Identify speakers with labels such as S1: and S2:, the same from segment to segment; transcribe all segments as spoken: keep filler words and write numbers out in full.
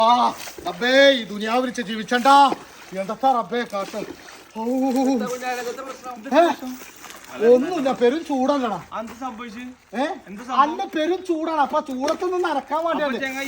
S1: റബ്ബേ ഈ ദുനിയാവിൽ ജീവിച്ചണ്ടാ എന്താ റബ്ബേ കാട്ട് ഒന്നുമില്ല പെരും ചൂടല്ലടാ ഏ അല്ല പെരും ചൂടാണ് അപ്പൊ ചൂടത്തൊന്നും നടക്കാൻ വേണ്ടിയാണ്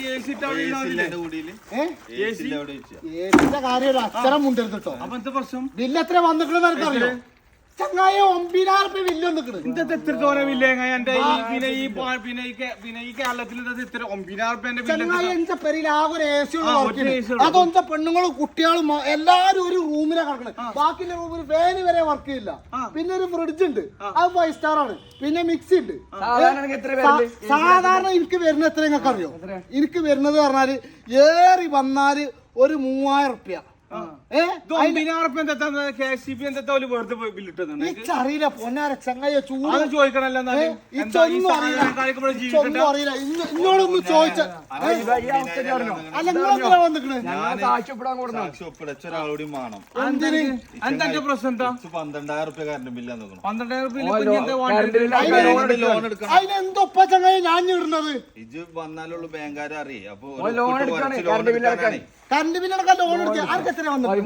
S1: ഏസിന്റെ കാര്യം അക്ഷരം മുണ്ടരുത് കേട്ടോ ബില്ല് എത്ര വന്നിട്ടുണ്ടെന്ന് എനിക്കറിയോ ചങ്ങായ ഒമ്പതിനായിരം രൂപ വില്ല് വന്നിക്കണ്
S2: ഇന്നത്തെ എത്ര തോനെ വില്ല എന്റെ പിന്നെ ഈ പിന്നെ പിന്നെ ഈ കേരളത്തിൽ ഇത്ര ഒമ്പതിനായിരം രൂപ
S1: ചങ്ങായ എന്റെ പേരിൽ ആകെ ഒരു എ സി അതൊക്കെ പെണ്ണുങ്ങളും കുട്ടികളും എല്ലാരും ഒരു റൂമിലാണ് കിടക്കണത് ബാക്കിയുള്ള റൂമിൽ ഫാന് വരെ വർക്ക് ചെയ്യില്ല പിന്നെ ഒരു ഫ്രിഡ്ജ് ഉണ്ട് അത് ഫൈവ് സ്റ്റാർ ആണ് പിന്നെ മിക്സി ഉണ്ട് സാധാരണ എനിക്ക് വരുന്നത് എത്ര നിങ്ങൾക്ക് അറിയോ എനിക്ക് വരുന്നത് പറഞ്ഞാല് ഏറി വന്നാല് ഒരു മൂവായിരം റുപ്യ അറിയില്ല പൊന്നാര ചങ്ങായ ചൂട്
S2: ചോദിക്കണല്ലോ
S1: അറിയില്ല ഇന്നോടൊന്ന് ചോദിച്ച അതിനെന്തോപ്പ ചങ്ങായ ഞാൻ ഇടുന്നത്
S3: ഇത് വന്നാലുള്ള ബാങ്കാരെ അറിയേ അപ്പൊ
S1: കറണ്ട് ബില്ലടക്കം ലോൺ എടുക്കുക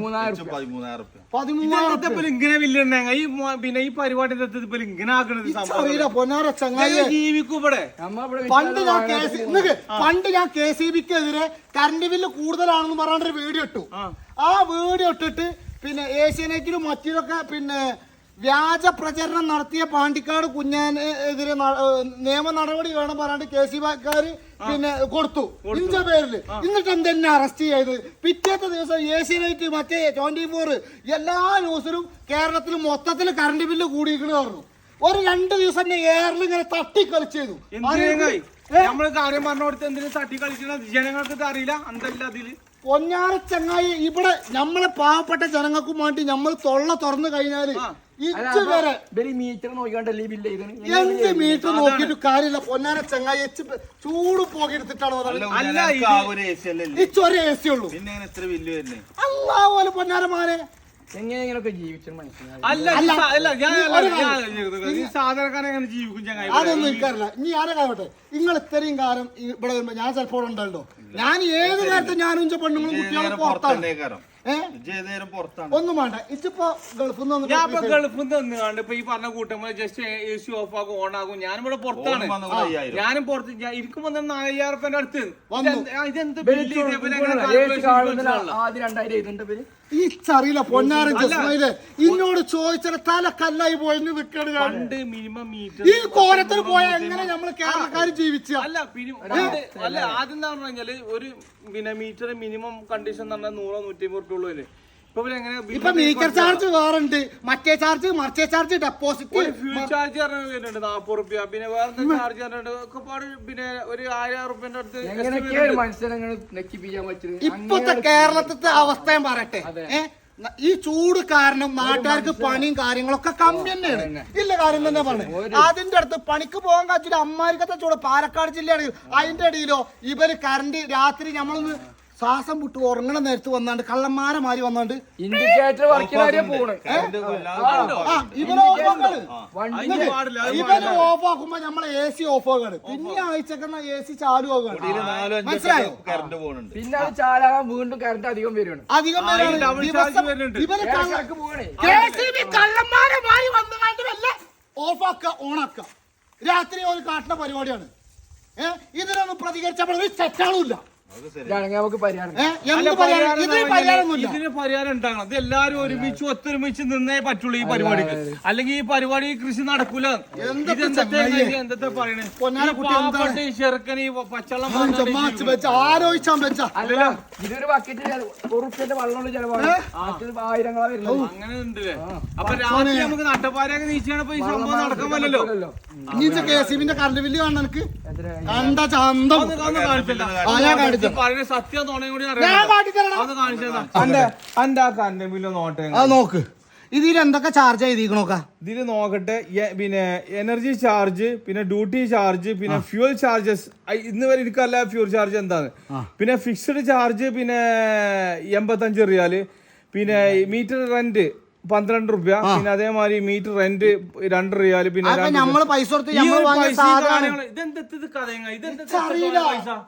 S2: ഇങ്ങനെ വില്ലുണ്ടെ ഈ പിന്നെ ഈ പരിപാടി ഇങ്ങനെ ആക്കണത്
S1: പൊന്നാര ചങ്ങായി
S2: ജീവിക്കൂടെ
S1: പണ്ട് ഞാൻ കെ സി പണ്ട് ഞാൻ കെ സി ബിക്കെതിരെ കറണ്ട് ബില്ല് കൂടുതലാണെന്ന് പറഞ്ഞൊരു വീഡിയോ ഇട്ടു ആ വീഡിയോ ഇട്ടിട്ട് പിന്നെ ഏഷ്യാനെറ്റിലും മറ്റൊക്കെ പിന്നെ വ്യാജ പ്രചരണം നടത്തിയ പാണ്ടിക്കാട് കുഞ്ഞാനെതിരെ നിയമ നടപടി വേണം പറയാണ്ട് കെ സി ബിക്കാര് പിന്നെ കൊടുത്തു ഇഞ്ച പേരില് എന്നിട്ട് എന്തെന്നെ അറസ്റ്റ് ചെയ്ത് പിറ്റേത്തെ ദിവസം ഏഷ്യാനെറ്റ് മറ്റേ ട്വന്റി ഫോർ എല്ലാ ന്യൂസിലും കേരളത്തിൽ മൊത്തത്തിൽ കറണ്ട് ബില്ല് കൂടിയിരിക്കണ പറഞ്ഞു ഒരു രണ്ട് ദിവസം എയറിൽ ഇങ്ങനെ തട്ടിക്കളിച്ചു ചെയ്തു
S2: നമ്മള് കാര്യം പറഞ്ഞു കൊടുത്ത് എന്തിനും തട്ടി കളിക്കണ ജനങ്ങൾക്ക് അറിയില്ല എന്തല്ല അതില്
S1: പൊന്നാര ചങ്ങായി ഇവിടെ നമ്മളെ പാവപ്പെട്ട ജനങ്ങൾക്കും വേണ്ടി നമ്മൾ തൊള്ള തുറന്നു കഴിഞ്ഞാല് ഇച്ച് വരെ
S2: മീറ്റർ നോക്കിയാണ്ടല്ലേ ബില്ല്
S1: എന്ത് മീറ്റർ നോക്കിയിട്ട് കാര്യമില്ല പൊന്നാര ചങ്ങായി എച്ച് ചൂട് പോകി എടുത്തിട്ടാണ് ഇച്ചൊരു എ സി ഉള്ളൂ അല്ലാ പോലെ പൊന്നാരമാരെ
S2: എങ്ങനെയൊക്കെ ജീവിച്ചു സാധാരണക്കാരെങ്ങനെ ജീവിക്കും ചങ്ങായി
S1: അതൊന്നും എനിക്കറിയില്ല ഇനി ആരെ കാവട്ടെ നിങ്ങൾ ഇത്രയും കാലം ഇവിടെ വരുമ്പോ ഞാൻ ചിലപ്പോൾ ഉണ്ടല്ലോ ഞാൻ ഏത് നേരത്തെ ഞാനും പെണ്ണുങ്ങളും കുട്ടികളും പുറത്താണ് ഒന്നും വേണ്ട ഇതിപ്പോ ഗൾഫിൽ നിന്ന്
S2: ഞാൻ ഇപ്പൊ ഗൾഫിൽ നിന്ന് കണ്ട് ഇപ്പൊ ഈ പറഞ്ഞ കൂട്ടം ജസ്റ്റ് എ സി ഓഫ് ആകും ഓൺ ആകും ഞാനിവിടെ പുറത്താണ് ഞാനും പുറത്ത് എനിക്ക് വന്ന നാലായിരം റുപ്യന്റെ അടുത്ത് ഇതെന്ത്
S1: ഇച്ചറിയില്ല പൊന്നാരൻ ജസ്മയിലെ ഇന്നോട് ചോദിച്ചാൽ തല കല്ലായി പോയെന്ന് നിൽക്കണ
S2: മിനിമം മീറ്റർ
S1: ഈ കോലത്തിൽ പോയാൽ എങ്ങനെ നമ്മള് കേരളക്കാർ ജീവിച്ച
S2: അല്ല അല്ല ആദ്യം എന്താ പറഞ്ഞു കഴിഞ്ഞാല് ഒരു പിന്നെ മീറ്റർ മിനിമം കണ്ടീഷൻ എന്ന് പറഞ്ഞാൽ നൂറോ നൂറ്റി അമ്പത് റുപ്യ ഉള്ളൂ
S1: ഇപ്പൊ മീറ്റർ ചാർജ് വേറുണ്ട് മറ്റേ ചാർജ് മറിച്ചേ ചാർജ് ഡെപ്പോസിറ്റ്
S2: ഫ്യൂൽ ചാർജ് വരുന്നുണ്ട് നാപ്പത് റുപ്യ പിന്നെ വേറെ ചാർജ് ഒക്കെ പിന്നെ ഒരു ആയിരം റുപ്യന്റെ അടുത്ത്
S1: ഇപ്പത്തെ കേരളത്തിലെ അവസ്ഥയും പറയട്ടെ ഈ ചൂട് കാരണം നാട്ടുകാർക്ക് പണിയും കാര്യങ്ങളൊക്കെ കമ്മി തന്നെയാണ് ഇല്ല കാര്യം തന്നെ പറഞ്ഞു അതിന്റെ അടുത്ത് പണിക്ക് പോകാൻ കഴിച്ചിട്ട് അമ്മാരിക്കത്തെ ചൂട് പാലക്കാട് ജില്ലയാണ് അതിന്റെ ഇടയിലോ ഇവര് കറണ്ട് രാത്രി നമ്മളൊന്ന് ശ്വാസം വിട്ട് ഉറങ്ങണ നേരത്ത് വന്നാണ്ട് കള്ളന്മാരെ മാറി വന്നാണ്ട്
S2: ഇൻഡിക്കേറ്റർ
S1: ഇവര് ഓഫ് ആക്കുമ്പോ നമ്മളെ എ സി ഓഫ് ആകാണ് പിന്നെ ആഴ്ചക്കുന്ന എ സി ചാലു ആകാണ് മനസ്സിലായോ
S2: പിന്നെ അത് ചാലാകാൻ വീണ്ടും കറണ്ട് അധികം വരുവാണ്
S1: അധികം ഇവര് കള്ളന്മാരെ മാറി വന്നുകൊണ്ടല്ല ഓഫ് ആക്ക ഓൺ ആക്ക രാത്രി ഒരു കാട്ടുന്ന പരിപാടിയാണ് ഏഹ് ഇതിനൊന്നും പ്രതികരിച്ചപ്പോൾ ഒരു തെറ്റാളുമില്ല
S2: ഇതിന് പരിഹാരം ഉണ്ടാകണം ഇത് എല്ലാരും ഒരുമിച്ച് ഒത്തൊരുമിച്ച് നിന്നേ പറ്റുള്ളൂ ഈ പരിപാടിക്ക് അല്ലെങ്കിൽ ഈ പരിപാടി കൃഷി നടക്കൂല എന്തൊക്കെ പറയണേ ചെറുക്കൻ ഈ പച്ചവെള്ളം
S4: ഇതൊരു ബക്കറ്റ് ഉറുപ്പ്യന്റെ വെള്ളമുള്ള ചെലവാണ് ആയിരങ്ങളാ വരുന്നത്
S2: അങ്ങനെ ഉണ്ടല്ലേ അപ്പൊ രാത്രി നമുക്ക് നട്ടപ്പാരൊക്കെ നീച്ചാണ് ഈ സംഭവം നടക്കാൻ പറ്റല്ലോ
S1: കെ സി ബിന്റെ കറണ്ട് ബില്ല് കാണാൻ എനിക്ക് കണ്ട ചന്തം
S2: സത്യം
S1: നോക്ക് ഇതിൽ എന്തൊക്കെ ചാർജ് ചെയ്തിരിക്കണോക്ക
S2: ഇതില് നോക്കട്ടെ പിന്നെ എനർജി ചാർജ് പിന്നെ ഡ്യൂട്ടി ചാർജ് പിന്നെ ഫ്യൂൽ ചാർജസ് ഇന്ന് വരെ എനിക്കല്ല ഫ്യൂൽ ചാർജ് എന്താണ് പിന്നെ ഫിക്സ്ഡ് ചാർജ് പിന്നെ എൺപത്തഞ്ച് റിയാല് പിന്നെ മീറ്റർ റെന്റ് പന്ത്രണ്ട് റുപ്യ പിന്നെ അതേമാതിരി മീറ്റർ റെന്റ് രണ്ട് റിയാല് പിന്നെ
S1: അപ്പൊ നമ്മള് പൈസ കൊടുത്ത്
S2: ഈ
S1: നമ്മൾ
S2: ഒരു
S1: വാങ്ങിയ
S2: പൈസ
S1: സാധനം
S2: കാര്യങ്ങള് ഇതെന്ത് ഇത് കഥയങ്ങ ഇതെന്ത്
S1: അറിയില്ല.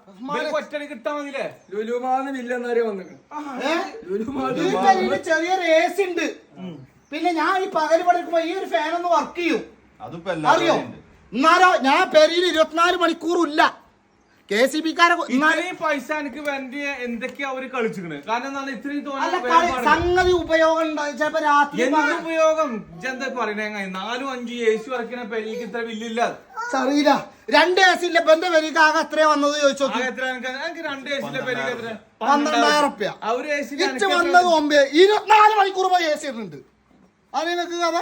S2: ഒറ്റടി കിട്ടാൻ മതിയില്ലേ
S4: ലുലുമാന്ന് വില്ലെന്നവരെ വന്നിട്ടുണ്ട്.
S1: ഈ പെരയില് ചെറിയൊരു എ സി ഉണ്ട്. പിന്നെ ഞാൻ ഈ പകല് പഠിക്കുമ്പോ ഈ ഒരു ഫാൻ ഒന്ന് വർക്ക് ചെയ്യും,
S3: അതിപ്പോ
S1: അറിയോ?
S3: എല്ലാവരും
S1: എന്നാലോ ഞാൻ പെരയിൽ ഇരുപത്തിനാല് മണിക്കൂറും ഇല്ല. കെ സി ബിക്കാരെ
S2: ഇത്രയും പൈസ എനിക്ക് വേണ്ടി എന്തൊക്കെയാ അവര് കളിച്ചിക്കണ്? കാരണം എന്താണ് ഇത്രയും
S1: അല്ല
S2: തോന്നുന്നത്
S1: സംഗതി ഉപയോഗം ഉണ്ടാവും. ചിലപ്പോ രാത്രി
S2: എന്ത് ഉപയോഗം എന്താ പറയണേ? നാലും അഞ്ചും എ സി വറക്കുന്ന പെരിക്ക് ഇത്ര ബില്ലില്ല.
S1: അറിയില്ല. രണ്ട് എ സി ഇല്ല. ഇപ്പൊ എന്റെ പെരയ്ക്ക് ആകെ എത്രയാ വന്നത് ചോദിച്ചോ.
S2: എത്ര എനിക്ക് രണ്ട് എ സിന്റെ പെരിക്ക് എത്ര?
S1: പന്ത്രണ്ടായിരം റുപ്യ.
S2: ആ ഒരു എ സി
S1: ഇച്ച് വന്നത് ഒമ്പത് ഇരുപത്തിനാല് മണിക്കൂർ പോയി എ സി ഇടുന്നുണ്ട്. അത് നിങ്ങക്ക് കഥ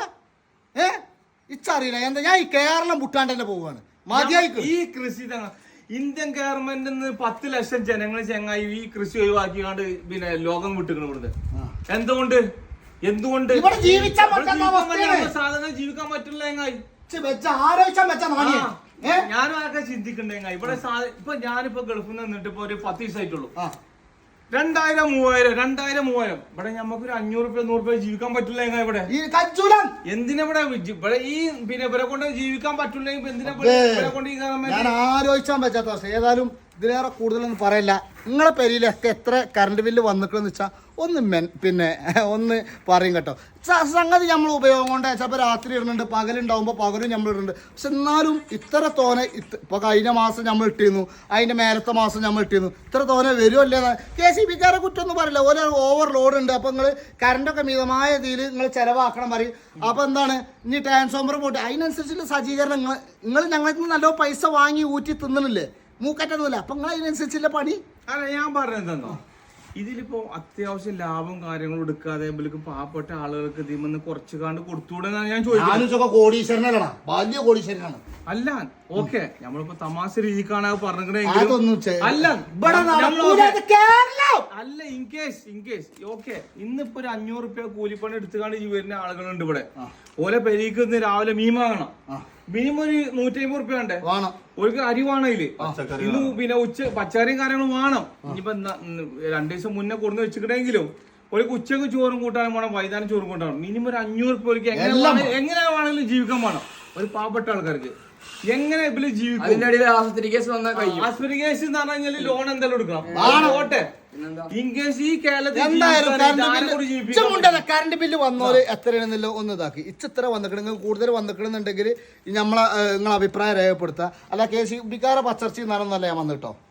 S1: ഏ ഇച്ചറിയില്ല എന്താ. ഞാൻ ഈ കേരളം വിട്ടാണ്ട് തന്നെ പോവാണ്. മതിയായി.
S2: ഈ കൃഷി ഇന്ത്യൻ ഗവൺമെന്റിൽ നിന്ന് പത്ത് ലക്ഷം ജനങ്ങൾ ചെങ്ങായി ഈ കൃഷി ഒഴിവാക്കിയാണ്ട് പിന്നെ ലോകം വിട്ടുക്കണം ഇവിടുന്ന്. എന്തുകൊണ്ട് എന്തുകൊണ്ട്
S1: ഇവിടെ ജീവിക്കാൻ പറ്റുന്ന
S2: സാധനം ജീവിക്കാൻ പറ്റില്ല ചെങ്ങായി.
S1: ആലോചിച്ചാൻ വെച്ചാ മാണിയാ.
S2: ഞാനും അതൊക്കെ ചിന്തിക്കണ്ടേ ചെങ്ങായി. ഇവിടെ ഇപ്പൊ ഞാനിപ്പോ ഗൾഫിൽ നിന്ന് നിന്നിട്ട് ഇപ്പൊ ഒരു പത്ത് ദിവസമായിട്ടുള്ളൂ. രണ്ടായിരം മൂവായിരം രണ്ടായിരം മൂവായിരം ഇവിടെ നമുക്കൊരു അഞ്ഞൂറ് റുപ്യ നൂറ് റുപ്യ ജീവിക്കാൻ പറ്റില്ല ചെങ്ങായി. ഇവിടെ എന്തിനാ ഇവിടെ ഇവിടെ ഈ പിന്നെ ഇവരെ കൊണ്ട് ജീവിക്കാൻ പറ്റില്ലെങ്കിൽ എന്തിനാ ഇവരെ കൊണ്ട് ഈ
S1: ഞാൻ ആലോചിച്ചാൻ പറ്റാത്ത അവസ്ഥ. ഏതായാലും ഇതിലേറെ കൂടുതലൊന്നും പറയില്ല. നിങ്ങളെ പെരിയിലൊക്കെ എത്ര കറണ്ട് ബില്ല് വന്നിട്ടെന്ന് വെച്ചാൽ ഒന്ന് മെൻ പിന്നെ ഒന്ന് പറയും കേട്ടോ. സംഗതി നമ്മൾ ഉപയോഗം കൊണ്ട് ചിലപ്പോൾ രാത്രി ഇടുന്നുണ്ട്, പകലുണ്ടാവുമ്പോൾ പകലും നമ്മൾ ഇടുന്നുണ്ട്. പക്ഷെ എന്നാലും ഇത്ര തോനെ ഇപ്പോൾ കഴിഞ്ഞ മാസം നമ്മൾ ഇട്ടിരുന്നു, അതിൻ്റെ മേലത്തെ മാസം നമ്മൾ ഇട്ടിരുന്നു. ഇത്ര തോനെ വരുമല്ലേ? കെ സി ബിക്കാരെ കുറ്റമൊന്നും പറയില്ല. ഓരോ ഓവർ ലോഡ് ഉണ്ട്. അപ്പോൾ നിങ്ങൾ കറണ്ടൊക്കെ മിതമായ രീതിയിൽ നിങ്ങൾ ചിലവാക്കണം പറയും. അപ്പോൾ എന്താണ് ഇനി ട്രാൻസ്ഫോമർ പോയിട്ട് അതിനനുസരിച്ചുള്ള സജ്ജീകരണം നിങ്ങൾ നിങ്ങൾ ഞങ്ങൾക്ക് നിന്ന് നല്ലോ പൈസ വാങ്ങി ഊറ്റി തിന്നണില്ലേ? മൂക്കറ്റൊന്നുമില്ല. അപ്പം നിങ്ങൾ അതിനനുസരിച്ചുള്ള പണി.
S2: അല്ല ഞാൻ പറഞ്ഞതെന്നോ, ഇതിലിപ്പോ അത്യാവശ്യം ലാഭം കാര്യങ്ങളും എടുക്കാതെ ഇവർക്ക് പാവപ്പെട്ട ആളുകൾക്ക് ഇതിമെന്ന് കുറച്ച് കാണ്ട് കൊടുത്തുകൂടെന്നാണ് ഞാൻ ചോദിക്കുന്നത്.
S1: കോടീശ്വരനാണ്, വലിയ കോടീശ്വരനാണ്.
S2: അല്ല ഓക്കെ നമ്മളിപ്പോ തമാശ രീതിക്കാണ് പറഞ്ഞെങ്കിൽ അല്ല അല്ല ഇൻകേസ് ഇൻകേസ് ഓക്കെ ഇന്നിപ്പോ ഒരു അഞ്ഞൂറ് റുപ്യ കൂലിപ്പണി എടുത്തുകൊണ്ട് ഈ വരുന്ന ആളുകളുണ്ട് ഇവിടെ. ഓലെ പെരീക്ക് ഇന്ന് രാവിലെ മീൻ വാങ്ങണം. മിനിമം ഒരു നൂറ്റി അമ്പത് റുപ്യ വേണ്ടേ? ഒരു അരി വേണയില് ഇന്ന് പിന്നെ ഉച്ച പച്ചക്കറിയും കാര്യങ്ങളും വേണം. ഇനിയിപ്പോ രണ്ടു ദിവസം മുന്നേ കൊടുന്ന് വെച്ചിട്ടുണ്ടെങ്കിലും ഒരു ഉച്ചക്ക് ചോറും കൂട്ടാനും വേണം, വൈകുന്നേരം ചോറും കൂട്ടാനും. മിനിമം ഒരു അഞ്ഞൂറ് റുപ്യ എങ്ങനെ എങ്ങനെ വേണമെങ്കിലും ജീവിക്കാൻ വേണം ഒരു പാവപ്പെട്ട ആൾക്കാർക്ക്. എങ്ങനെ ഇതില് ജീവിക്കും?
S4: ആസ്പത്രി കേസ് വന്നാൽ കഴിയും.
S2: ആസ്പത്രി കേസ് എന്ന് പറഞ്ഞു കഴിഞ്ഞാൽ ലോൺ എന്തായാലും എടുക്കണം. ഓട്ടെ ഇൻകേസ് ഈ കേരളത്തിൽ
S1: കറണ്ട് ബില്ല് വന്നോര് എത്രയാണെന്നല്ലോ ഒന്ന് ഇതാക്കി. ഇച്ച് ഇത്ര വന്നിക്കണെങ്കിൽ കൂടുതൽ വന്നിക്കണമെന്നുണ്ടെങ്കിൽ നമ്മളെ നിങ്ങളെ അഭിപ്രായം രേഖപ്പെടുത്തുക. അല്ല കെ സി ബിക്കാരെ പച്ചർച്ചി നടന്നല്ല ഞാൻ വന്നിട്ടോ.